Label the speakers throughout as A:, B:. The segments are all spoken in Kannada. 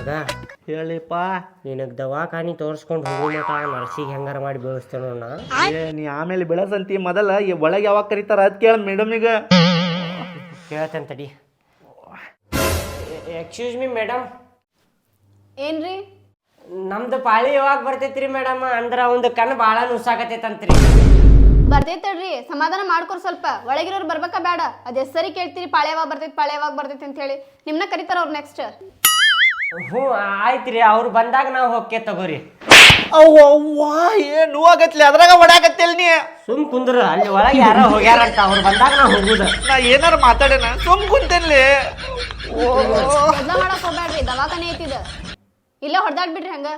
A: ಮಗ
B: ಹೇಳಿಪ್ಪ.
A: ನಿನಗೆ ದವಾಖಾನಿ ತೋರಿಸ್ಕೊಂಡು ಹೋಗೋ ಮಟ ನರ್ಸಿಗೆ ಹೆಂಗಾರ ಮಾಡಿ ಬೆಳೆಸ್ತೇನೋ ನಾ.
B: ನೀ ಆಮೇಲೆ ಬೆಳೆಸಂತಿ ಮೊದಲ ಒಳಗೆ ಯಾವಾಗ ಕರೀತಾರ ಅದ್ ಕೇಳ ಮೇಡಮಿಗ
A: ಕೇಳ್ತೇನೆ ತಡಿ. Excuse me madam.
C: ಏನ್ರಿ?
A: ನಮ್ದು ಪಾಳಿ ಯಾವಾಗ ಬರ್ತೈತ್ರಿ ಮೇಡಮ್? ಅಂದ್ರೆ ಒಂದು ಕಣ್ಣು ಭಾಳ ನುಸಾಕತೈತಂತ್ರಿ.
C: ಬರ್ತೈತಲ್ರಿ, ಸಮಾಧಾನ ಮಾಡ್ಕೊರ್ ಸ್ವಲ್ಪ. ಒಳಗಿರೋರು ಬರ್ಬೇಕಾ ಬೇಡ? ಅದ್ ಸರಿ ಕೇಳ್ತೀರಿ ಪಾಳೆ ಯಾವಾಗ ಬರ್ತೈತಿ ಅಂತ ಹೇಳಿ. ನಿಮ್ನ ಕರಿತಾರ ಅವ್ರು ನೆಕ್ಸ್ಟ್.
A: ಹ್ಞೂ ಆಯ್ತ್ರಿ, ಅವ್ರು ಬಂದಾಗ ನಾವು ಹೋಗ್ಕೆ ತಗೋರಿ.
B: ಅವ್ವಾ ಏನ್ ನೋವಾಗತ್ಲಿ ಅದ್ರಾಗ ಹೊಡ್ಯಾಕತ್ತಿಲ್ ನೀ.
A: ಸುಮ್ ಕುಂದ್ರ, ಅಲ್ಲಿ ಒಳಗೆ ಯಾರೋ ಹೋಗ್ಯಾರಂತ, ಅವ್ರು ಬಂದಾಗ ನಾವು ಹೋಗುದ.
B: ನಾ ಏನಾರ ಮಾತಾಡೇನ? ಸುಮ್ ಕುಂತೇನ್ಲಿ.
C: ಬದ್ಲ ಮಾಡಕ್ ಹೋಗ್ಬೇಡ್ರಿ, ದವಾಖಾನೆ ಐತಿದ. ಇಲ್ಲ ಹೊಡ್ದಾಡ್ಬಿಡ್ರಿ ಹಂಗ.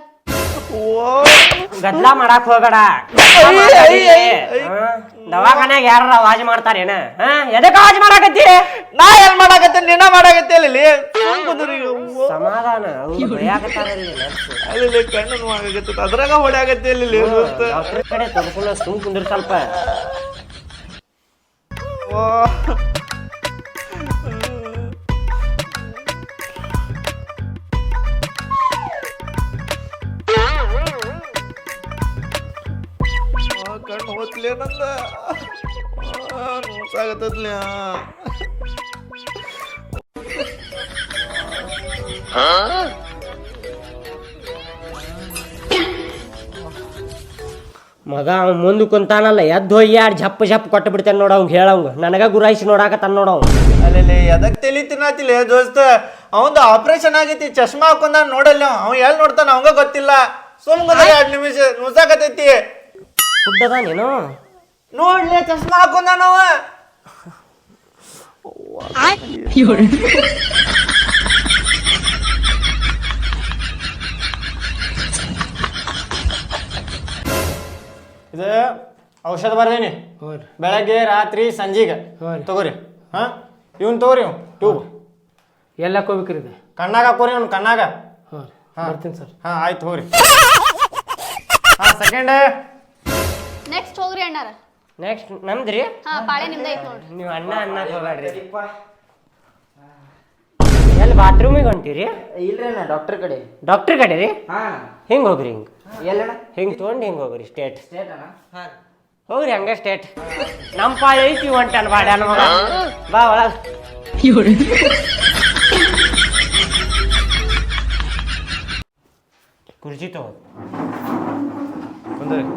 A: ಗದ್ಲ ಮಾಡಕ್ ಹೋಗಡ. ದವಾಖಾನ್ಯಾಗ ಯಾರ ಆವಾಜ್ ಮಾಡ್ತಾರೇನ? ಎದಕ್ಕ ಆವಾಜ್ ಮಾಡಾಕತ್ತಿ?
B: ನಾ ಏನ್ ಮಾಡಾಕತ್ತೇನ್? ನಿನ್ನ ಮಾಡಾಕತ್ತಿಲ್ಲ.
A: ಸಮಾಧಾನ, ಅವ್ರು ಭಯಾಕತ್ತಾರಲ್ಲಿ
B: ಅಲ್ಲಿ ಕಣ್ಣು ನೋವಾಗತ್ತ ಅದ್ರಾಗ ಹೊಡ್ಯಾಕತ್ತಿಲ್ಲ.
A: ಡಾಕ್ಟರ್ ಕಡೆ ತಗೊಂಡು ಸುಮ್ ಕುಂದ್ರ ಸ್ವಲ್ಪ.
B: ಕಣ್ಣು ಹೋತ್ಲಿ ನಂದ ನೋಸಾಗತ್ತದ್ಲಿ.
A: ಮಗ ಅವ್ ಮುಂದೆ ಕುಂತಾನಲ್ಲ, ಎದ್ದು ಹೋಗಿ ಯಾರು ಜಪ್ ಕೊಟ್ಟು ಬಿಡ್ತೇನೆ ನೋಡ. ಅವ್ಗೆ ಹೇಳಂಗ ನನಗ ಗುರಾಯಿಸಿ ನೋಡಾಕತ್ತಾನ ನೋಡ.
B: ಅಲ್ಲಿ ಎದಕ್ ತಲಿ ತಿನ್ನತಿಲ್ಲ ದೋಸ್ತ. ಅವಂದು ಆಪರೇಷನ್ ಆಗೈತಿ, ಚಶ್ಮಾ ಹಾಕೊಂಡ ನೋಡಲ್ಲ. ಅವ್ ಎಲ್ಲಿ ನೋಡ್ತಾನ ಅವಂಗ ಗೊತ್ತಿಲ್ಲ. ಸುಮ್ 2 ನಿಮಿಷ ನುಸಾಕತೈತಿ.
A: ಕುಡ್ಡದ ನೀನು
B: ನೋಡ್ಲಿ, ಚಶ್ಮಾ ಹಾಕೊಂಡ ನಾವ.
D: ಇದು ಔಷಧ ಬರ್ದೇನಿ, ಬೆಳಗ್ಗೆ ರಾತ್ರಿ ಸಂಜೆಗೆ ತಗೋರಿ. ಹಾ ಇವ್ನು ತಗೋರಿ, ಟ್ಯೂಬ್
E: ಎಲ್ಲ ಹಾಕೋಬೇಕ್ರಿ ಇದು?
D: ಕಣ್ಣಾಗ ಹಾಕೋರಿ, ಅವ್ನು ಕಣ್ಣಾಗ.
E: ಬರ್ತೀನಿ ಸರ್.
D: ಹಾ ಆಯ್ತು ಹೋಗ್ರಿ. ಹಾ ಸೆಕೆಂಡ್.
C: ನೆಕ್ಸ್ಟ್ ಹೋಗ್ರಿ ಅಣ್ಣಾರ.
A: ನೆಕ್ಸ್ಟ್ ನಮ್ದ್ರಿ.
C: ಹಾ ಪಾಳೆ ನಿಮ್ದ ಐತ್ ನೋಡ್ರಿ.
A: ನೀವು ಅಣ್ಣ ಹೋಗ್ಬೇಡ್ರಿ. ಎಲ್ಲಿ ಬಾತ್ರೂಮಿಗೆ ಹೊಂಟಿರಿ?
F: ಇಲ್ರಿ ನಾ ಡಾಕ್ಟರ್ ಕಡೆ.
A: ಡಾಕ್ಟರ್ ಕಡೆ ರೀ?
F: ಹಾ
A: ಹಿಂಗೆ ಹೋಗ್ರಿ, ಹಿಂಗೆ
F: ಎಲ್ಲಣ್ಣ?
A: ಹಿಂಗೆ ತೊಗೊಂಡು ಹಿಂಗೆ ಹೋಗ್ರಿ ಸ್ಟೇಟ್.
F: ಸ್ಟೇಟ್ ಅಣ್ಣ? ಹಾ
A: ಹೋಗ್ರಿ ಹಂಗೆ ಸ್ಟೇಟ್. ನಮ್ಮ ಪಾಳಿ ಐತಿ ಹೊಂಟನ್ ಬಾಡ ಮಗ. ಬಾ ಒಳಗ. ಕುರ್ಚಿ ತಗೋ.
D: ಬಂದ್ರಿ.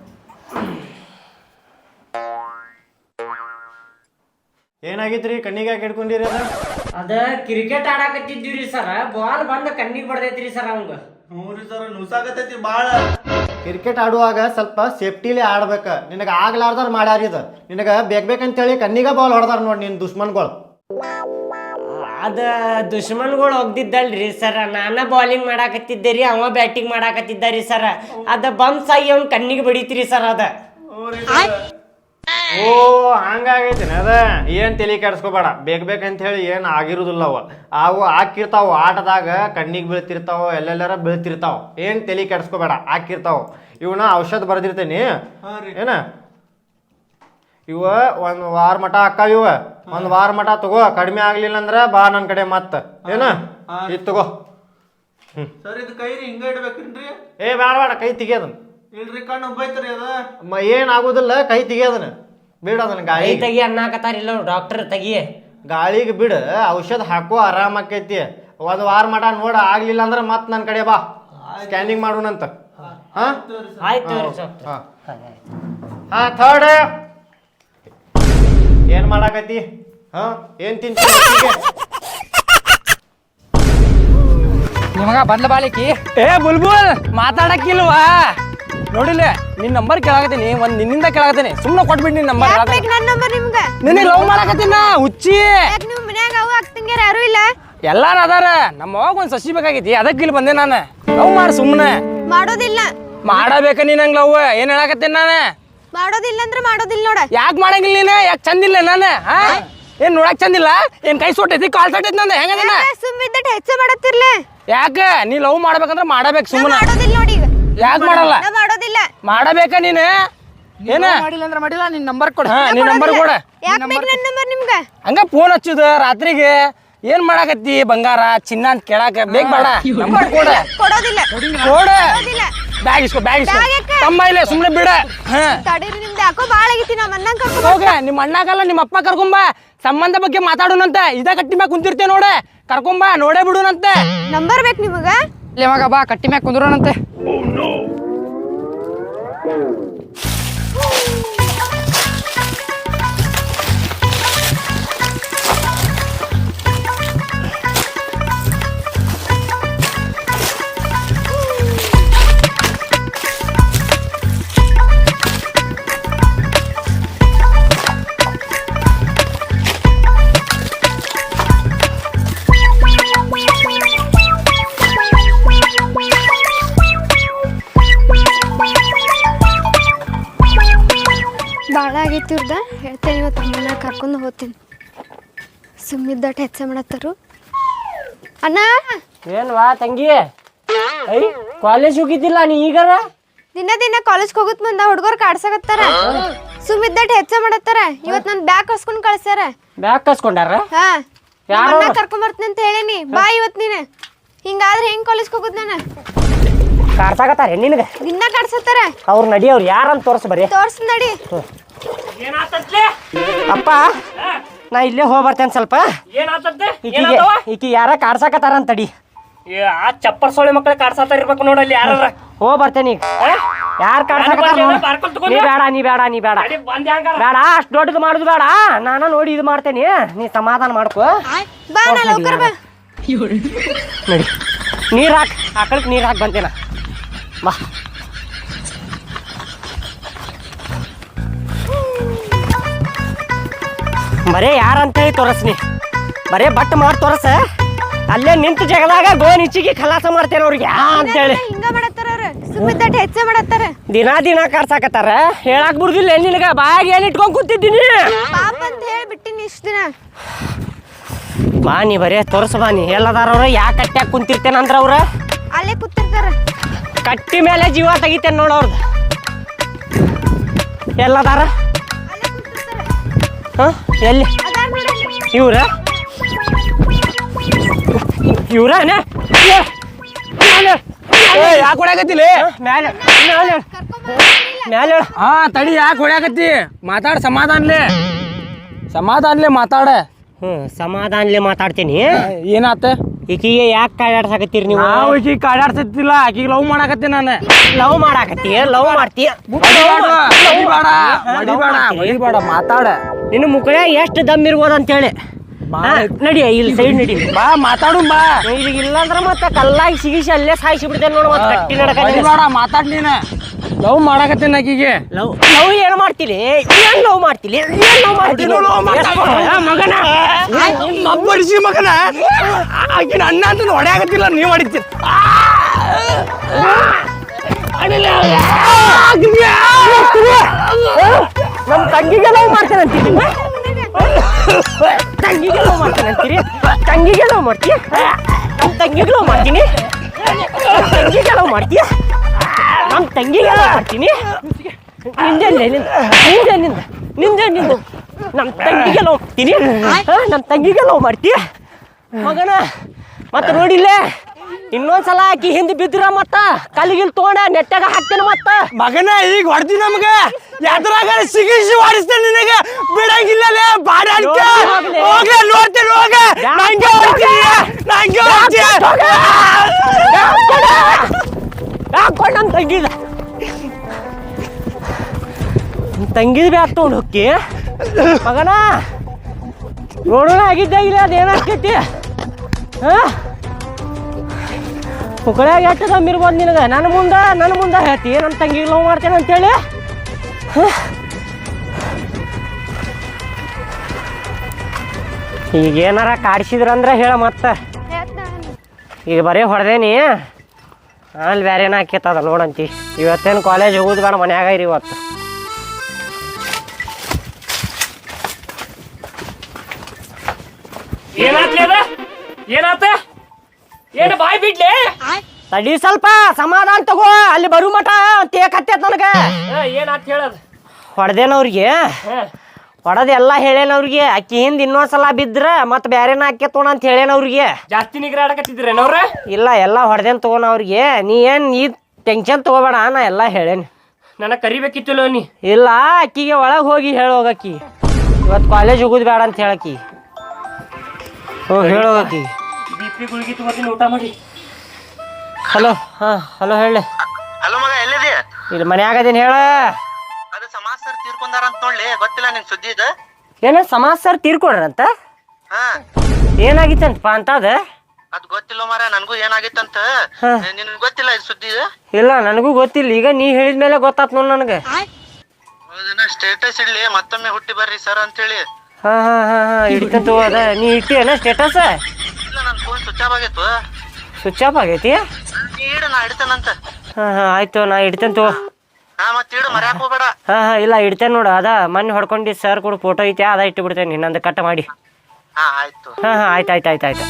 D: ಏನಾಗಿತ್ರಿ? ಕಣ್ಣಿಗೆ ಯಾಕೆ ಹಿಡ್ಕೊಂಡಿರಿ ಅದ?
A: ಅದ ಕ್ರಿಕೆಟ್ ಆಡಾಕತ್ತಿದ್ದೀವ್ರಿ ಸರ್, ಬಾಲ್ ಬಂದ ಕಣ್ಣಿಗೆ ಬಡ್ದೈತ್ರಿ ಸರ್ ಅವಂಗ.
B: ಹ್ಞೂ ಸರ್, ನುಸಾಕತೈತಿ ಬಾಳ.
D: ಕ್ರಿಕೆಟ್ ಆಡುವಾಗ ಸ್ವಲ್ಪ ಸೇಫ್ಟಿಲಿ ಆಡ್ಬೇಕ. ನಿನಗೆ ಆಗ್ಲಾರ್ದಾರ ಮಾಡ್ಯಾರ ಇದು. ನಿನಗೆ ಬೇಕಂತೇಳಿ ಕಣ್ಣಿಗೆ ಬಾಲ್ ಹೊಡೆದಾರ ನೋಡಿ ನಿನ್ನ ದುಶ್ಮನ್ಗಳು.
A: ಅದ ದುಶ್ಮನ್ಗಳು ಹೋಗ್ದಿದ್ದಲ್ರಿ ಸರ್, ನಾನ ಬಾಲಿಂಗ್ ಮಾಡಾಕತ್ತಿದ್ದೆ ರೀ, ಅವ ಬ್ಯಾಟಿಂಗ್ ಮಾಡಾಕತ್ತಿದ್ದ ರೀ ಸರ್. ಅದ ಬಂಪ್ಸ್ ಆಗಿ ಅವ್ನ ಕಣ್ಣಿಗೆ ಬಡಿತ್ರಿ ಸರ್ ಅದ.
D: ಓ ಹಂಗಾಗೈತಿನ ಅದ. ಏನ್ ತಲೆ ಕೆಡಿಸ್ಕೋಬೇಡ. ಬೇಕಂತ ಹೇಳಿ ಏನ್ ಆಗಿರುದಿಲ್ಲ. ಅವು ಹಾಕಿರ್ತಾವ ಆಟದಾಗ, ಕಣ್ಣಿಗೆ ಬೀಳ್ತಿರ್ತಾವ, ಎಲ್ಲೆಲ್ಲಾರ ಬೀಳ್ತಿರ್ತಾವ. ಏನ್ ತಲೆ ಕೆಡಿಸ್ಕೋಬೇಡ, ಹಾಕಿರ್ತಾವ. ಇವನ ಔಷಧ ಬರ್ದಿರ್ತೇನಿ ಏನ, ಇವ 1 ವಾರ ಮಟ ಹಾಕಾವ. ಇವ 1 ವಾರ ಮಟ ತಗೋ. ಕಡಿಮೆ ಆಗ್ಲಿಲ್ಲ ಅಂದ್ರ ಬಾ ನನ್ ಕಡೆ ಮತ್ತ ಏನ ಇದು ತಗೋ.
B: ಸರ್ ಇದು ಕೈ ಹಿಂಗ ಇಡ್ಬೇಕೇನ್ರಿ?
D: ಏ ಬೇಡ ಕೈ ತೆಗಿಯೋದನ್.
B: ಇಲ್ರಿ ಕಣ್ಣು ಬೈತ್ರಿ ಅದ.
D: ಏನ್ ಆಗುದಿಲ್ಲ, ಕೈ ತೆಗಿಯೋದನ್ ಬಿಡ. ಅದನ್ನ ಗಾಳಿ
A: ತೆಗಿ ಅನ್ನಕತ್ತಾರಿಲ್ಲ ಡಾಕ್ಟರ್, ತೆಗಿ.
D: ಗಾಳಿಗೆ ಬಿಡ, ಔಷಧ ಹಾಕೋ ಆರಾಮ ಆಕೈತಿ. 1 ವಾರ ಮಟ ನೋಡ, ಆಗ್ಲಿಲ್ಲ ಅಂದ್ರ ಮತ್ ನನ್ ಕಡೆ ಬಾ, ಸ್ಕ್ಯಾನಿಂಗ್ ಮಾಡೋಣಂತ. ಹಾ
A: ಆಯ್ತು.
D: ಹಾ ಥರ್ಡ್. ಏನ್ ಮಾಡಾಕತಿ? ಹಾ ಏನ್ ತಿಂತಿ?
E: ನಿಮಗ ಬಂದ್ಲ ಬಾಳಿಕಿ. ಏ ಬುಲ್ಬುಲ್ ಮಾತಾಡಕ್ಕಿಲ್ವಾ? ನೋಡಿಲ್ಲ ನಿನ್ ನಂಬರ್ ಕೇಳಾಕತ್ತೀನಿ, ನಿನ್ನಿಂದ ಕೇಳಾಕತ್ತೀನಿ. ಸುಮ್ಮನೆ ಕೊಟ್ಬಿಡ್ ನಿನ್ ನಂಬರ್.
C: ನನ್ನ ನಂಬರ್ ನಿಮ್ಗ?
E: ನಿನ್ನ ಲವ್ ಮಾಡಾಕತ್ತೀನ ಹುಚ್ಚಿ.
C: ನೀವು ಮನ್ಯಾಗ ಅವ ಅಕ್ಕಂಗ್ಯಾರ ಯಾರು ಇಲ್ಲ?
E: ಎಲ್ಲಾರು ಅದಾರ. ನಮ್ಮ ಅವಾಗ ಒಂದ್ ಸಸಿ ಬೇಕಾಗೈತಿ, ಅದಕ್ಕೆ ಇಲ್ಲಿ ಬಂದೆ ನಾನು. ಲವ್ ಮಾಡಿ ಸುಮ್ಮನೆ
C: ಮಾಡೋದಿಲ್ಲ.
E: ಮಾಡಬೇಕ ನೀನ್ ಹಂಗ ಲವ್. ಏನ್ ಹೇಳಾಕತ್ತೀನಿ ನಾನು?
C: ಮಾಡೋದಿಲ್ಲ ಅಂದ್ರೆ ಮಾಡೋದಿಲ್ಲ ನೋಡ.
E: ಯಾಕೆ ಮಾಡಂಗಿಲ್ಲ ನೀನು? ಯಾಕೆ ಚಂದಿಲ್ಲ ನಾನು? ಹಾ ಏನ್ ನೋಡಕ್ ಚಂದಿಲ್ಲ? ಏನ್ ಕೈ ಸೊಟ್ಟೈತಿ, ಕಾಲ್ ಸೊಟ್ಟೈತಿ ನಂದ? ಹೆಂಗದ
C: ಸುಮ್ಮಿದ್ದಟ್ ಹೆಚ್ಚ ಮಾಡತ್ತಿರ್ಲ.
E: ಯಾಕ ನೀ ಲವ್ ಮಾಡ್ಬೇಕಂದ್ರ ಮಾಡಬೇಕು ಸುಮ್ಮನೆ.
C: ಮಾಡೋದಿಲ್ಲ ನೋಡಿ ಈಗ.
E: ಯಾಕೆ ಮಾಡಲ್ಲ?
C: ಮಾಡೋದಿಲ್ಲ.
E: ಮಾಡಬೇಕ ನೀನು? ಏನ
F: ಮಾಡಿಲ್ಲ ಅಂದ್ರೆ ಮಾಡಿಲ್ಲ. ನಿನ್ ನಂಬರ್ ಕೊಡ.
E: ಹಾ ನಿನ್ ನಂಬರ್ ಕೊಡ.
C: ಯಾಕೆ ಬೇಕು ನನ್ನ ನಂಬರ್ ನಿಮ್ಗ?
E: ಹಂಗ ಫೋನ್ ಹಚ್ಚುದ ರಾತ್ರಿಗೆ. ಏನ್ ಮಾಡಾಕತ್ತಿ ಬಂಗಾರ ಚಿನ್ನ ಅಂತ ಕೇಳಾಕ ಬೇಗ ಬೇಡ ನಂಬರ್ ಕೊಡ
C: ಕೊಡೋದಿಲ್ಲ
E: ಕೊಡ
C: ಕೊಡೋದಿಲ್ಲ.
E: ಬ್ಯಾಗ್ ಇಸ್ಕೋ ಬ್ಯಾಗ್ ಇಸ್ಕೋ
C: ಬ್ಯಾಗ್ ಯಾಕೆ?
E: ತಮ್ಮ ಇಲ್ಲ ಸುಮ್ನೆ ಬಿಡ
C: ತಡೀರಿ ನಿಮ್ದು ಯಾಕೋ ಭಾಳ ಆಗೈತಿ ನಮ್ಮ ಅಣ್ಣಂಗ್ ಕರ್ಕೊಂಡ್
E: ಹೋಗ ನಿಮ್ಮ ಅಣ್ಣಗಲ್ಲ ನಿಮ್ಮ ಅಪ್ಪ ಕರ್ಕೊಂಬ ಸಂಬಂಧ ಬಗ್ಗೆ ಮಾತಾಡೋಣಂತೆ ಇದ ಕಟ್ಟಿ ಮ್ಯಾಗ ಕುಂತಿರ್ತೇವೆ ನೋಡೆ ಕರ್ಕೊಂಬ ನೋಡೇ ಬಿಡುನಂತೆ
C: ನಂಬರ್ ಬೇಕು ನಿಮಗ
F: ಇಲ್ಲೇ ಮಗ ಬಾ ಕಟ್ಟಿ ಮ್ಯಾಗ ಕುಂದ್ರೋಣಂತೆ
C: ಭಾಳ ಆಗೈತಿ ಇವ್ರದ ಹೇಳ್ತೇನೆ ಇವತ್ತು ಅಮ್ಮನ ಕರ್ಕೊಂಡು ಹೋಗ್ತೀನಿ ಸುಮ್ಮಿದ್ದಟ್ಟು ಹೆಚ್ಚ ಮಾಡತ್ತಾರು ಅಣ್ಣ
A: ಏನ್ವಾ ತಂಗಿ ಐ ಕಾಲೇಜ್ ಹೋಗಿದ್ದಿಲ್ಲ ನೀ ಈಗಾರ
C: ದಿನ ಕಾಲೇಜ್ಗೆ ಹೋಗುತ್ತ ಮುಂದ ಹುಡುಗರು ಕಾಡ್ಸಕತ್ತಾರ ಸುಮ್ಮಿದ್ದಟ್ಟು ಹೆಚ್ಚ ಮಾಡತ್ತಾರ ಇವತ್ತು ನನ್ನ ಬ್ಯಾಗ್ ಕಸ್ಕೊಂಡು ಕಳ್ಸ್ಯಾರ
A: ಬ್ಯಾಗ್ ಕಸ್ಕೊಂಡಾರ
C: ಹಾ
A: ಯಾರು?
C: ಅಣ್ಣ ಕರ್ಕೊಂಡ್ ಬರ್ತೀನಿ ಅಂತ ಹೇಳೇನಿ ಬಾ ಇವತ್ತು ನೀನು ಹಿಂಗಾದ್ರೆ ಹೆಂಗ್ ಕಾಲೇಜ್ಗೆ ಹೋಗುದ್ ನಾನು
A: ಕಾರ್ಸಾಕತ್ತಾರ ನಿನಗೆ
C: ದಿನ ಕಾಡ್ಸತ್ತಾರ
A: ಅವ್ರು ನಡಿ ಅವ್ರು ಯಾರಂತ ತೋರ್ಸ ಬರೀ
C: ತೋರ್ಸ್ ನಡಿ
A: ಅಪ್ಪ ನಾ ಇಲ್ಲೇ ಹೋಗಿ ಬರ್ತೇನೆ ಸ್ವಲ್ಪ ಈಕಿ ಯಾರ ಕಾಡ್ಸಾಕತ್ತಾರ ಅಂತಡಿ
E: ಆ ಚಪ್ಪರ್ ಸೊಳ್ಳೆ ಮಕ್ಕಳ ಕಾಡ್ಸಾತ ಇರ್ಬೇಕು ನೋಡಲ್ಲಿ ಯಾರ
A: ಹೋಗಿ ಬರ್ತೇನೆ ಈಗ ಯಾರು ಕಾಡ್ಸಾಕತ್ತಾರ ನೀ ಬೇಡ ಬೇಡ ಅಷ್ಟು ದೊಡ್ಡದು ಮಾಡುದು ಬೇಡ ನಾನು ನೋಡಿ ಇದು ಮಾಡ್ತೇನೆ ನೀ ಸಮಾಧಾನ ಮಾಡ್ಕೋ
C: ಬಾ ನಾ ಲೌಕರ್ ಬಾ
A: ನಡಿ ನೀರು ಹಾಕ್ ಆಕಳಕ್ಕೆ ನೀರು ಹಾಕಿ ಬಂತೇನ ಬಾ ಬರೇ ಯಾರಂತೇಳಿ ತೋರಸ್ನಿ ಬರೇ ಬಟ್ ಮಾಡಿ ತೋರಸ ಅಲ್ಲೇ ನಿಂತ ಜಗದಾಗ ಗೋನ್ ಇಚ್ಚಿಗೆ ಖಲಾಸ ಮಾಡ್ತೇನೆ ಅವ್ರಿಗೆ ಅಂತೇಳಿ
C: ಹಿಂಗ ಮಾಡತ್ತಾರ ಅವ್ರ ಸುಮ್ಮಿದ್ದಟ್ಟು ಹೆಚ್ಚ ಮಾಡತ್ತಾರ
A: ದಿನ ಕಾಡ್ಸಾಕತ್ತಾರ ಹೇಳಾಕ್ ಬಿಡುದಿಲ್ಲ ನಿನಗ ಬಾಯಾಗ ಏನ್ ಇಟ್ಕೊಂಡ್ ಕೂತಿದ್ದೀನಿ
C: ಪಾಪ ಅಂತ ಹೇಳಿ ಬಿಟ್ಟಿನಿ ಇಷ್ಟ ದಿನ
A: ಬಾ ನೀ ಬರೇ ತೋರ್ಸ ಬಾ ನೀ ಎಲ್ಲದಾರ ಅವ್ರ ಯಾಕೆ ಕಟ್ಟ್ಯಾಗ ಕುಂತಿರ್ತೇನೆ ಅಂದ್ರ ಅವ್ರ
C: ಅಲ್ಲೇ ಕೂತಿರ್ತಾರ
A: ಕಟ್ಟಿ ಮೇಲೆ ಜೀವ ತೆಗಿತೇನೆ ನೋಡ ಅವ್ರದ್ದು ಎಲ್ಲದಾರ
C: ಅಲ್ಲೇ ಕೂತಿರ್ತಾರ
A: ಹ ಎಲ್ಲಿ
C: ಅದಾರ ನೋಡಿ
A: ಇವ್ರ ಇವ್ರನ
E: ಯಾಕೆ ಹೊಡ್ಯಾಕತ್ತಿಲ್ಲ
A: ಮ್ಯಾಲೆ ಮ್ಯಾಲೆ
E: ಹಾ ತಡಿ ಯಾಕೆ ಹೊಡ್ಯಾಕತ್ತಿ ಮಾತಾಡ ಸಮಾಧಾನ್ಲೆ ಮಾತಾಡ
A: ಸಮಾಧಾನ್ಲೆ ಮಾತಾಡ್ತೀನಿ
E: ಏನಾತ
A: ಈಕಿಗೆ ಯಾಕೆ ಕಾಡಾಡ್ಸಾಕತ್ತೀರಿ ನೀವು
E: ನಾವು ಈಕಿಗೆ ಕಾಡಾಡ್ಸತ್ತಿಲ್ಲ ಆಕಿಗೆ ಲವ್ ಮಾಡಾಕತ್ತಿ ನಾನು
A: ಲವ್ ಮಾಡಾಕತ್ತೀಯ ಲವ್ ಮಾಡ್ತೀಯ
E: ಹೊಡಿಬೇಡ ಮಾತಾಡ
A: ನಿನ್ನ ಮುಖ ಎಷ್ಟು ದಮ್ ಇರ್ಬೋದು ಅಂತೇಳಿ ನಡಿ ಇಲ್ಲಿ ಸೈಡ್ ನಡಿ
E: ಬಾ ಮಾತಾಡು ಬಾ
A: ಈಗ ಇಲ್ಲಾಂದ್ರ ಮತ್ತೆ ಕಲ್ಲಾಗಿ ಸಿಗಿಸಿ ಅಲ್ಲೇ ಸಾಯಿಸಿ ಬಿಡ್ತೇನೆ ನೋಡು ಮತ್ತೆ ಕಟ್ಟಿ ನಡಕ
E: ಹೊಡಿಬೇಡ ಮಾತಾಡ್ ನೀನ ಲವ್ ಮಾಡಾಕತ್ತೀನಿ ಆಕಿಗೆ
A: ಲವ್ ಲವ್ ಏನು ಮಾಡ್ತೀನಿ ಏನ್ ಲವ್ ಮಾಡ್ತೀನಿ ಏನ್ ಲವ್ ಮಾಡ್ತೀನಿ ಮಗನ
E: ಬಡಿಸಿ ಮಗನ ಆಕಿನ ಅಣ್ಣ ಅಂತ ಹೊಡ್ಯಾಕತ್ತಿಲ್ಲ ನೀವು ಹೊಡಿತೀರಿ
A: ನಮ್ಮ ತಂಗಿಗೆ ಲವ್ ಮಾಡ್ತೇನೆ ಅಂತೀನಿ ತಂಗಿಗೆ ಲವ್ ಮಾಡ್ತೇನೆ ಅಂತೀರಿ ತಂಗಿಗೆ ಲವ್ ಮಾಡ್ತೀಯ ನಮ್ಮ ತಂಗಿಗೆ ಲವ್ ಮಾಡ್ತೀನಿ ತಂಗಿಗೆ ಲವ್ ಮಾಡ್ತೀಯ ನಮ್ಮ ತಂಗಿಗೆ ಲವ್ ಮಾಡ್ತೀನಿ ನಿಂದ ನಮ್ಮ ತಂಗಿಗೆ ಲವ್ ಮಾಡ್ತೀನಿ ನಮ್ಮ ತಂಗಿಗೆ ಲವ್ ಮಾಡ್ತೀಯ ಮಗನ ಮತ್ತೆ ನೋಡಿಲ್ಲ ಇನ್ನೊಂದ್ಸಲ ಆಕಿ ಹಿಂದೆ ಬಿದ್ರ ಮತ್ತ ಕಲ್ಲಿಗಿಲ್ ತಗೊಂಡ ನೆಟ್ಟಾಗ ಹಾಕ್ತೇನೆ ಮತ್ತ
E: ಮಗನ ಈಗ ಹೊಡ್ದಿ ನಮ್ಗ ಎದ್ರಾಗ ಸಿಗಿಸಿ ಹೊಡಿಸ್ತೇನೆ ನಿನಗ ಬಿಡಂಗಿಲ್ಲ ಬಾಡ ಹೋಗ್ಲೇ ನೋಡ್ತೇನೆ ಹೋಗ ನಂಗೆ ಹೊಡ್ತೀನಿ ನಂಗೆ
A: ಹಾಕೊಂಡು ನಮ್ಮ ತಂಗಿದ ತಂಗಿದ ಬ್ಯಾಗ್ ತೊಗೊಂಡು ಹೋಗಿ ಮಗನ ನೋಡೋಣ ಆಗಿದ್ದಾಗಿಲ್ಲ ಅದೇನಾಗ್ತೈತಿ ಹಾಂ ಮುಕ್ಕಳ್ಯಾಗ ಎಷ್ಟು ದಮ್ ಇರ್ಬೋದು ನಿನಗೆ ನನ್ನ ಮುಂದೆ ಹೇಳ್ತಿ ನನ್ನ ತಂಗಿಗೆ ಲವ್ ಮಾಡ್ತೇನೆ ಅಂತೇಳಿ ಈಗ ಏನಾರ ಕಾಡ್ಸಿದ್ರಂದ್ರೆ ಹೇಳ ಮತ್ತೆ ಈಗ ಬರೀ ಹೊಡೆದೇನಿ ಅಲ್ಲಿ ಬೇರೆ ಏನ ಹಾಕಿತ್ತದ ನೋಡಂತಿ ಇವತ್ತೇನು ಕಾಲೇಜ್ ಹೋಗೋದು ಬೇಡ ಮನ್ಯಾಗ ಇರಿ ಇವತ್ತು
E: ಏನಾತ ಏನು ಬಾಯ್ ಬಿಡ್ಲಿ
A: ತಡಿ ಸ್ವಲ್ಪ ಸಮಾಧಾನ ತಗೋ ಅಲ್ಲಿ ಬರು ಮಠ ತೇಕ್ ಹತ್ತೈತ್ ನನಗೆ
E: ಏನಾತ ಹೇಳದ್
A: ಹೊಡೆದೇನವ್ರಿಗೆ ಹೊಡೋದು ಎಲ್ಲ ಹೇಳೇನ ಅವ್ರಿಗೆ ಅಕ್ಕಿ ಹಿಂದ್ ಇನ್ನೊಂದ್ಸಲ ಬಿದ್ರ ಮತ್ ಬ್ಯಾರೇನ ಹಾಕಿ ತೋಣ ಅಂತ ಹೇಳೇನ ಅವ್ರಿಗೆ.
G: ಜಾಸ್ತಿ ನಿಗ್ರ ಆಡಕತ್ತಿದ್ರೇನವ್ರ?
A: ಇಲ್ಲ ಎಲ್ಲ ಹೊಡೆದೇನ್ ತಗೋಣ ಅವ್ರಿಗೆ. ನೀ ಏನ್ ನೀ ಟೆನ್ಷನ್ ತಗೋಬೇಡ, ನಾ ಎಲ್ಲ ಹೇಳೇನಿ.
G: ನನಗೆ ಕರಿಬೇಕಿತ್ತಲ್ಲ ನೀ.
A: ಇಲ್ಲ ಅಕ್ಕಿಗೆ ಒಳಗೆ ಹೋಗಿ ಹೇಳೋಗಕ್ಕಿ ಇವತ್ತು ಕಾಲೇಜ್ ಹೋಗುದು ಬೇಡ ಅಂತ ಹೇಳಕ್ಕಿ. ಹೇಳೋಗಕ್ಕಿ.
G: BP ಗುಳಿಗೆ ತಗೋತೀನಿ, ಊಟ ಮಾಡಿ.
A: ಹಲೋ. ಹಲೋ ಹೇಳಿ.
H: ಹಲೋ ಮಗ, ಎಲ್ಲಿದೆ?
A: ಇಲ್ಲಿ ಮನ್ಯಾಗದೇನು ಹೇಳ.
H: ಅದು ಸಮಾಜ ಸರ್ ತೀರ್ಕೊಂಡಾರ ಅಂತ ನೋಡ್ಲಿ, ಗೊತ್ತಿಲ್ಲ ನಿಂಗೆ ಸುದ್ದಿ ಇದು?
A: ಏನ ಸಮಾಜ ಸರ್ ತೀರ್ಕೊಡ್ರಂತ?
H: ಹಾ,
A: ಏನಾಗಿತ್ತಂತಪ್ಪ ಅಂತದ?
H: ಅದ್ ಗೊತ್ತಿಲ್ಲ ಮಾರ, ನನಗೂ ಏನಾಗಿತ್ತಂತ. ನಿನ್ ಗೊತ್ತಿಲ್ಲ ಇದು ಸುದ್ದಿ ಇದು?
A: ಇಲ್ಲ ನನಗೂ ಗೊತ್ತಿಲ್ಲ, ಈಗ ನೀ ಹೇಳಿದ್ಮೇಲೆ ಗೊತ್ತಾತ್ ನೋಡ್ ನನಗೆ.
H: ಸ್ಟೇಟಸ್ ಇಡ್ಲಿ, ಮತ್ತೊಮ್ಮೆ ಹುಟ್ಟಿ ಬರ್ರಿ ಸರ್ ಅಂತೇಳಿ.
A: ಹಾ ಹಿಡಿತಂತ ಅದ. ನೀ ಇಟ್ಟಿಯೇನ ಸ್ಟೇಟಸ್?
H: ಇಲ್ಲ, ನನ್ನ ಫೋನ್ ಸ್ವಿಚ್ ಆಫ್ ಆಗಿತ್ತು.
A: ಸ್ವಿಚ್ ಆಫ್ ಆಗೈತಿ?
H: ನೀ ಇಡು, ನಾ ಇಡ್ತೇನಂತ.
A: ಹಾ ಆಯ್ತು, ನಾ ಇಡ್ತೇನೆ.
H: ಹಾ, ಮತ್ತೆ ಇಡು, ಮರ್ಯಾಕ್ ಹೋಗ್ಬೇಡ.
A: ಹಾ ಇಲ್ಲ ಇಡ್ತೇನೆ ನೋಡು. ಅದ ಮೊನ್ನೆ ಹೊಡ್ಕೊಂಡು ಸರ್ ಕೂಡ ಫೋಟೋ ಐತೆ, ಅದ ಇಟ್ಟು ಬಿಡ್ತೇನೆ ಇನ್ನೊಂದು ಕಟ್ ಮಾಡಿ.
H: ಹಾ ಆಯ್ತು.
A: ಹಾ ಆಯ್ತು.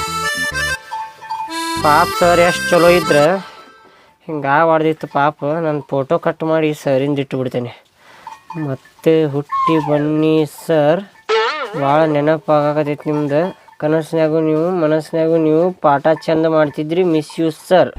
A: ಪಾಪ ಸರ್ ಎಷ್ಟು ಚಲೋ ಇದ್ರೆ ಹಿಂಗೆ ಹೊಡೆದಿತ್ತು ಪಾಪ. ನಾನು ಫೋಟೋ ಕಟ್ ಮಾಡಿ ಸರಿಂದ ಇಟ್ಟು ಬಿಡ್ತೇನೆ. ಮತ್ತೆ ಹುಟ್ಟಿ ಬನ್ನಿ ಸರ್, ಭಾಳ ನೆನಪಾಗತೈತಿ ನಿಮ್ದು. ಕನಸ್ನಾಗೂ ನೀವು ಮನಸ್ಸಿನಾಗೂ ನೀವು ಪಾಠ ಚಂದ ಮಾಡ್ತಿದ್ರಿ, ಮಿಸ್ ಯು ಸರ್.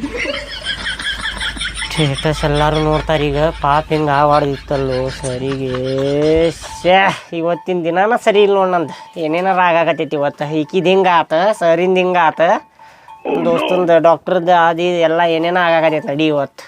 A: ಸ್ಟೇಟಸ್ ಎಲ್ಲರೂ ನೋಡ್ತಾರೆ ಈಗ. ಪಾಪ ಹಿಂಗೆ ಹೊಡೆದಿತ್ತಲ್ಲೋ ಸರಿಗೆ. ಇವತ್ತಿನ ದಿನಾನ ಸರಿ ಇಲ್ಲ ನೋಡಿ ನಂದು. ಏನೇನಾರ ಆಗಾಕತ್ತೈತಿ ಇವತ್ತು. ಈಕಿದ ಹಿಂಗೆ ಆತ, ಸರಿಂದ ಹಿಂಗೆ ಆತ, ದೋಸ್ತಂದು ಡಾಕ್ಟ್ರದ್ದು ಅದು ಎಲ್ಲ ಏನೇನೋ ಆಗಾಕತ್ತೈತಿ. ನಡಿ ಇವತ್ತು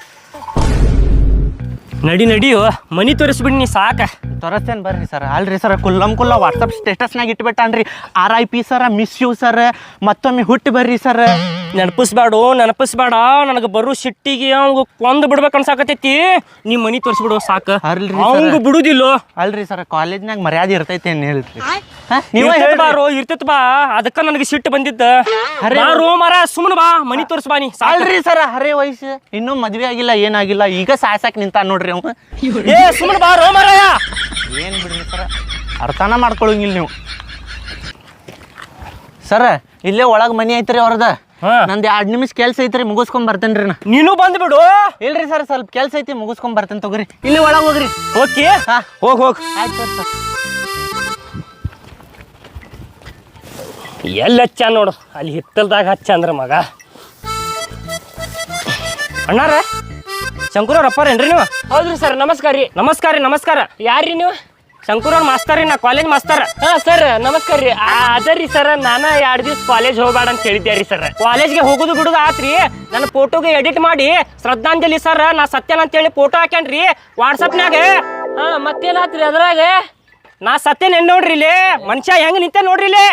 G: ನಡಿಯೋ ಮನಿ ತೋರಿಸ್ಬಿಡಿ ನೀ ಸಾಕ.
B: ತೋರಿಸ್ತೇನೆ ಬರ್ರಿ ಸರ್. ಅಲ್ರಿ ಸರ್, ಕುಲ್ಲ ವಾಟ್ಸಪ್ ಸ್ಟೇಟಸ್ನಾಗ ಇಟ್ಬಿಟ್ಟಾನ್ರಿ. RIP sir, miss you sir, ಮತ್ತೊಮ್ಮೆ ಹುಟ್ಟಿ ಬರ್ರಿ ಸರ್.
G: ನೆನಪಿಸ್ಬೇಡ. ನನಗೆ ಬರೋ ಸಿಟ್ಟಿಗೆ ಅವಂಗ ಕೊಂದು ಬಿಡ್ಬೇಕು ಅನ್ಸಾಕತೈತಿ. ನೀ ಮನಿ ತೋರಿಸ್ಬಿಡು ಸಾಕ. ಅವಂಗ ಬಿಡುದಿಲ್ಲ.
B: ಅಲ್ರಿ ಸರ್, ಕಾಲೇಜ್ನಾಗ ಮರ್ಯಾದೆ ಇರ್ತೈತಿ ಏನ್ ಹೇಳ್ರಿ?
G: ಇರ್ತೈತಿ ಬಾ, ಅದಕ್ಕ ನನಗೆ ಸಿಟ್ಟು ಬಂದಿದ್ದ. ಮರ ಸುಮ್ಮನೆ ಬಾ, ಮನಿ ತೋರಿಸ್ ಬಾ ನೀ.
B: ಅಲ್ರಿ ಸರ್, ಹರೇ ವಯಸ್ಸು, ಇನ್ನೂ ಮದ್ವೆ ಆಗಿಲ್ಲ, ಏನಾಗಿಲ್ಲ, ಈಗ ಸಾಯ್ಸಾಕ್ ನಿಂತ ನೋಡ್ರಿ ಅವ.
G: ಸುಮ್ಮನೆ ಬಾ ರೋ ಮರ.
B: ಏನ್ ಬಿಡ್ರಿ ಸರ, ಅರ್ಥನ ಮಾಡ್ಕೊಳಂಗಿಲ್ಲ ನೀವು. ಸರ, ಇಲ್ಲೇ ಒಳಗ್ ಮನಿ ಐತ್ರಿ ಅವ್ರದ. ನಂದು 2 ನಿಮಿಷ ಕೆಲ್ಸ ಐತ್ರಿ, ಮುಗಿಸ್ಕೊಂಡ್ ಬರ್ತೇನ್ರಿ ನಾ.
G: ನೀನು ಬಂದ್ಬಿಡು.
B: ಇಲ್ರಿ ಸರ್, ಸ್ವಲ್ಪ ಕೆಲ್ಸ ಐತಿ, ಮುಗಿಸ್ಕೊಂಡ್ ಬರ್ತೇನೆ ತಗೋರಿ. ಇಲ್ಲಿ ಒಳಗ್ ಹೋಗ್ರಿ.
G: ಓಕೆ, ಹೋಗ್.
B: ಆಯ್ತು ಸರ್.
G: ಎಲ್ಲಿ ಹಚ್ಚ ನೋಡು, ಅಲ್ಲಿ ಹಿತ್ತಲ್ದಾಗ ಹಚ್ಚ ಅಂದ್ರ ಮಗ. ಅಣ್ಣಾರ ಶಂಕರವ್ರ ಅಪ್ಪಾರೇನ್ರಿ ನೀವು? ಹೌದ್ರಿ ಸರ್, ನಮಸ್ಕಾರ. ಯಾರ್ರಿ ನೀವು? ಶಂಕರವ್ರ ಮಾಸ್ತರ್ ರೀ, ನಾ ಕಾಲೇಜ್ ಮಾಸ್ತರ್. ಸರ್ ನಮಸ್ಕಾರ ರೀ. ಅದರಿ ಸರ್, ನಾನು 2 ದಿವ್ಸ ಕಾಲೇಜ್ ಹೋಗ್ಬೇಡ ಅಂತ ಹೇಳಿದ್ದೆ ರೀ ಸರ್. ಕಾಲೇಜ್ಗೆ ಹೋಗುದು ಬಿಡುದು ಆತ್ರಿ. ನನ್ನ ಫೋಟೋಗೆ ಎಡಿಟ್ ಮಾಡಿ ಶ್ರದ್ಧಾಂಜಲಿ ಸರ್, ನಾ ಸತ್ಯನ ಅಂತೇಳಿ ಫೋಟೋ ಹಾಕ್ಯಾನ್ರಿ ವಾಟ್ಸಪ್ನ್ಯಾಗ. ಮತ್ತೇನಾತ್ರಿ ಅದ್ರಾಗ? ನಾ ಸತ್ಯನ ನೋಡ್ರಿ ಇಲ್ಲಿ, ಮನುಷ್ಯ ಹೆಂಗ್ ನಿಂತೆ ನೋಡ್ರಿ ಇಲ್ಲಿ.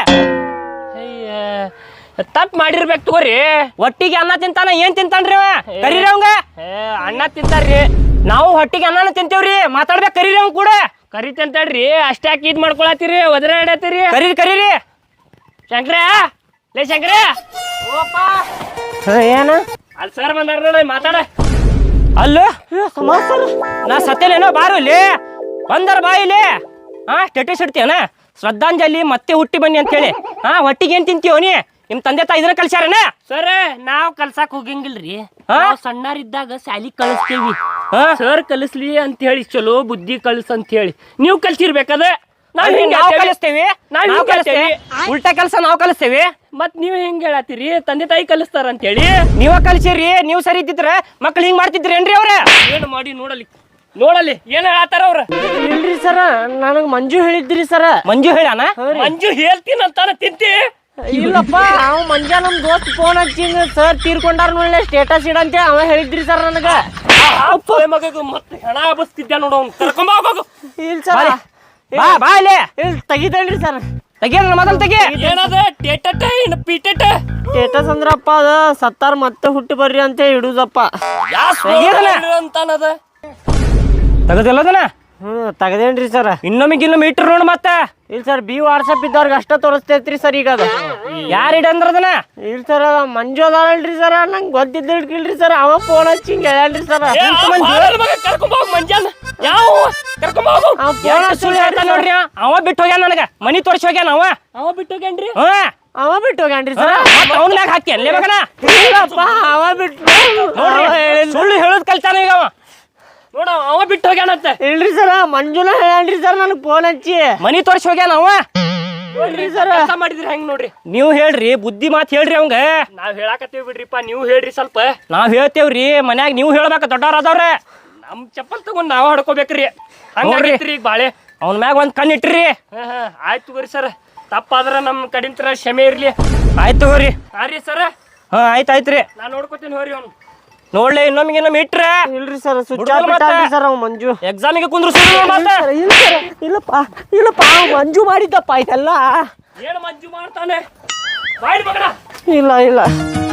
G: ತಪ್ಪು ಮಾಡಿರ್ಬೇಕು ತಗೋರಿ. ಒಟ್ಟಿಗೆ ಅನ್ನ ತಿಂತಾನ, ಏನ್ ತಿಂತಾನ್ರಿ ಅವ? ಕರೀರಿ ಅವಂಗ. ಅನ್ನ ತಿಂತಾರ್ರಿ, ನಾವು ಹೊಟ್ಟಿಗೆ ಅನ್ನನ ತಿಂತೇವ್ರಿ. ಮಾತಾಡ್ಬೇಕು, ಕರೀರಿ ಅವ್ ಕೂಡ. ಕರಿತಂತಾಡ್ರಿ, ಅಷ್ಟಾಕಿ ಇದ್ ಮಾಡ್ಕೊಳತ್ತೀರಿ, ಒದರಾಡತ್ತೀರಿ. ಕರೀರಿ. ಶಂಕ್ರ, ಲೇ ಶಂಕ್ರ,
A: ಏನು
G: ಅಲ್ಲಿ ಸರ್ ಬಂದಾರ ನೋಡಿ, ಮಾತಾಡ. ಅಲ್ಲ ನಾ ಸತ್ಯನೇನೋ, ಬಾರು ಇಲ್ಲಿ ಬಂದಾರ, ಬಾ ಇಲ್ಲಿ. ಸ್ಟೇಟಸ್ ಇಡ್ತೀಯನ, ಶ್ರದ್ಧಾಂಜಲಿ ಮತ್ತೆ ಹುಟ್ಟಿ ಬನ್ನಿ ಅಂತೇಳಿ. ಹೊಟ್ಟಿಗೆ ಏನ್ ತಿಂತೀವ ನೀ? ನಿಮ್ ತಂದೆ ತಾಯಿ ಇದನ್ನ ಕಲ್ಸ್ಯಾರನ? ಸರ್, ನಾವ್ ಕಲ್ಸಾಕ್ ಹೋಗಂಗಿಲ್ರಿ. ಸಣ್ಣರಿದ್ದಾಗ ಶಾಲಿ ಕಳಿಸ್ತೀವಿ. ಸರ್ ಕಲಿಸ್ಲಿ ಅಂತ ಹೇಳಿ, ಚಲೋ ಬುದ್ಧಿ ಕಲ್ಸ್ ಅಂತ ಹೇಳಿ ನೀವು ಕಲ್ಸಿರ್ಬೇಕದ. ನಾವ್ ಕಲಿಸ್ತೇವಿ. ಉಲ್ಟಾ ಕೆಲಸ ನಾವ್ ಕಲಿಸ್ತೇವಿ. ಮತ್ ನೀವ್ ಹೆಂಗ್ ಹೇಳತ್ತೀರಿ ತಂದೆ ತಾಯಿ ಕಲಿಸ್ತಾರ ಅಂತ ಹೇಳಿ? ನೀವ ಕಲ್ಸಿರಿ. ನೀವು ಸರಿ ಇದ್ದಿದ್ರ ಮಕ್ಳು ಹಿಂಗ್ ಮಾಡ್ತಿದ್ರಿ ಏನ್ರಿ ಅವ್ರ? ಏನು ಮಾಡಿ ನೋಡಲ್ಲಿ ಏನ್ ಹೇಳತ್ತಾರ ಅವ್ರ?
A: ಇಲ್ರಿ ಸರ, ನನಗ್ ಮಂಜು ಹೇಳಿದ್ರಿ ಸರ.
G: ಮಂಜು ಹೇಳಾನ? ಮಂಜು ಹೇಳ್ತೀನಂತಾನ ತಿಂತಿ?
A: ಇಲ್ಲಪ್ಪ, ಅವ ಮಂಜಾ ನಮ್ ದೋಸ್ತ್ ಫೋನ್ ಹಚ್ಚಿಂದ ಸರ್ ತೀರ್ಕೊಂಡಾರ ನೋಡ್ಲೆ ಸ್ಟೇಟಸ್ ಇಡಂತೆ ಅವ ಹೇಳಿದ್ರಿ ಸರ್ ನನಗ.
G: ಮಗಗ ಮತ್ತೆ ಹೆಣ ಬಸ್ತಿದ್ದ ನೋಡು, ಕರ್ಕೊಂಬ ಹೋಗು.
A: ಇಲ್ಲ ಸರ್, ಬಾ ಇಲ್ಲಿ. ತೆಗಿತೇನ್ರಿ ಸರ್.
G: ತೆಗಿಯ ಮೊದಲು ತೆಗಿ. ಏನದ
A: ಸ್ಟೇಟಸ್ ಅಂದ್ರಪ್ಪ ಅದ ಸತ್ತಾರ ಮತ್ತೆ ಹುಟ್ಟಿ ಬರ್ರಿ ಅಂತ ಇಡುದಪ್ಪ.
G: ಅಂತಾನದ ತಗದಿಲ್ಲದನ?
A: ತಗದೇನ್ರಿ ಸರ್.
G: ಇನ್ನೊಮ್ಮೆ ಇಟ್ರು ನೋಡು ಮತ್ತೆ.
A: ಇಲ್ಲ ಸರ್, ವಾಟ್ಸಪ್ ಇದ್ದವ್ರಿಗೆ ಅಷ್ಟ ತೋರಿಸ್ತೈತ್ರಿ ಸರ್. ಈಗ ಅದ
G: ಯಾರು ಇಡಂದ್ರದನ?
A: ಇಲ್ಲ ಸರ್, ಮಂಜು ಅದಾರಲ್ರಿ ಸರ್, ನಂಗೆ ಗೊತ್ತಿದ್ದಿಲ್ರಿ ಸರ್. ಅವ ಫೋನ್ ಹಚ್ಚಿ ಹಿಂಗೆ ಹೇಳ್ರಿ ಸರ್.
G: ನೋಡ್ರಿ, ಅವ ಬಿಟ್ಟು ಹೋಗ್ಯಾನ, ನನಗ ಮನಿ ತೋರಿಸಿ ಹೋಗ್ಯಾನ. ಅವ ಬಿಟ್ಟು ಹೋಗ್ಯಾನ್ರಿ?
A: ಅವ ಬಿಟ್ಟು ಹೋಗ್ಯಾನ್ರಿ ಸರ್.
G: ಅವನ ಮ್ಯಾಗ ಹಾಕಿ ಅಲ್ಲೇ ಮಗನ.
A: ಇಲ್ಲಪ್ಪ, ಅವ ಬಿಟ್ಟು
G: ಸುಳ್ಳು ಹೇಳೋದ್ ಕಲ್ತಾನ ಈಗ ಅವ. ನೋಡ ಅವ ಬಿಟ್ಟು ಹೋಗ್ಯಾನಂತ.
A: ಇಲ್ರಿ ಸರ ಮಂಜುನ ಹೇಳ್ರಿ ಸರ್ ನನಗೆ ಫೋನ್ ಹಚ್ಚಿ
G: ಮನಿ ತೋರ್ಸಿ ಹೋಗ್ಯಾನ ಅವ. ನೋಡ್ರಿ ಸರ್ ಕೆಲಸ ಮಾಡಿದ್ರಿ ಹೆಂಗ್ ನೋಡ್ರಿ. ನೀವು ಹೇಳ್ರಿ ಬುದ್ಧಿ ಮಾತು ಹೇಳ್ರಿ ಅವಂಗ. ನಾವ್ ಹೇಳಾಕತ್ತೀವಿ ಬಿಡ್ರಿಪ್ಪ, ನೀವು ಹೇಳ್ರಿ ಸ್ವಲ್ಪ. ನಾವ್ ಹೇಳ್ತೇವ್ರಿ ಮನ್ಯಾಗ, ನೀವು ಹೇಳ್ಬೇಕ ದೊಡ್ಡವ್ರ ಅದಾವ್ರೆ. ನಮ್ ಚಪ್ಪಲ್ ತಗೊಂಡ್ ನಾವ್ ಹಡ್ಕೋಬೇಕ್ರಿ. ಹಂಗಾಗೈತ್ರಿ ಈಗ ಬಾಳೆ. ಅವ್ನ ಮ್ಯಾಗ ಒಂದ್ ಕಣ್ಣು ಇಟ್ರಿ. ಆಯ್ತು ತಗೋರಿ ಸರ್, ತಪ್ಪಾದ್ರ ನಮ್ ಕಡಿಂತರ ಕ್ಷಮೆ ಇರ್ಲಿ. ಆಯ್ತು ತಗೋರಿ. ಹಾ ರೀ ಸರ್. ಹಾ ಆಯ್ತಾಯ್ತ್ರಿ, ನಾ ನೋಡ್ಕೋತೀನಿ ಹೋರಿ ಅವ್ನು. ನೋಡ್ಲಿ ಇನ್ನೊಮ್ಮೆ ಇಟ್ರೆ.
A: ಇಲ್ರಿ ಸರ್ ಸ್ವಿಚ್ ಆಫ್ ಬಿಟ್ಟಾನ್ರಿ ಸರ್ ಅವ್ ಮಂಜು.
G: ಎಕ್ಸಾಮಿಗೆ ಕುಂದ್ರು
A: ಇಲ್ಲಪ್ಪ ಅವ್ ಮಂಜು ಮಾಡಿದ್ದಪ್ಪ ಇದೆಲ್ಲ.
G: ಏನು ಮಂಜು ಮಾಡ್ತಾನೆ? ಬಾಯ್ ಮಗನ.
A: ಇಲ್ಲ